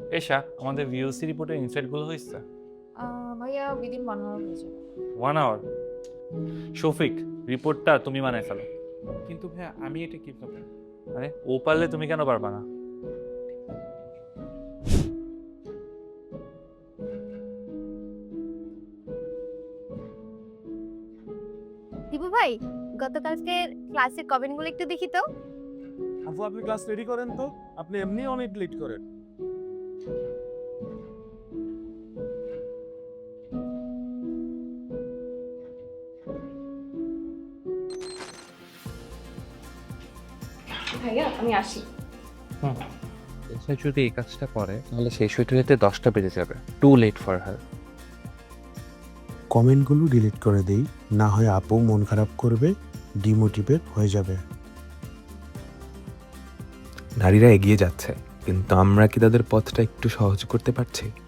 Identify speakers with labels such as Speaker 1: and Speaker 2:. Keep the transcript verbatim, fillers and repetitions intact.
Speaker 1: এশা আমাদের ভিওসি রিপোর্টের ইনসাইটগুলো হয়েছে।
Speaker 2: আহ, ভাইয়া উইদিন ওয়ান আওয়ার হয়ে যাবে।
Speaker 1: One hour. শফিক, রিপোর্টটা তুমি বানাই ফেলো।
Speaker 3: কিন্তু ভাইয়া আমি এটা কিভাবে?
Speaker 1: আরে ও পারলে তুমি কেন পারবা না?
Speaker 4: দিবু ভাই, গতকালকের ক্লাসের কমেন্টগুলো একটু দেখি তো।
Speaker 5: আপু আপনি ক্লাস রেডি করেন তো, আপনি এমনি অনেক লেট করেন।
Speaker 2: ভাইয়া আমি আসি।
Speaker 3: সে যদি এই কাজটা করে তাহলে সেই সুইটারিতে দশটা বেজে যাবে। Too late for her.
Speaker 6: কমেন্টগুলো ডিলিট করে দেই, না হয় আপু মন খারাপ করবে, ডিমোটিভেট হয়ে যাবে।
Speaker 7: নারীরা এগিয়ে যাচ্ছে, কিন্তু আমরা কি তাদের পথটা একটু সহজ করতে পারছি?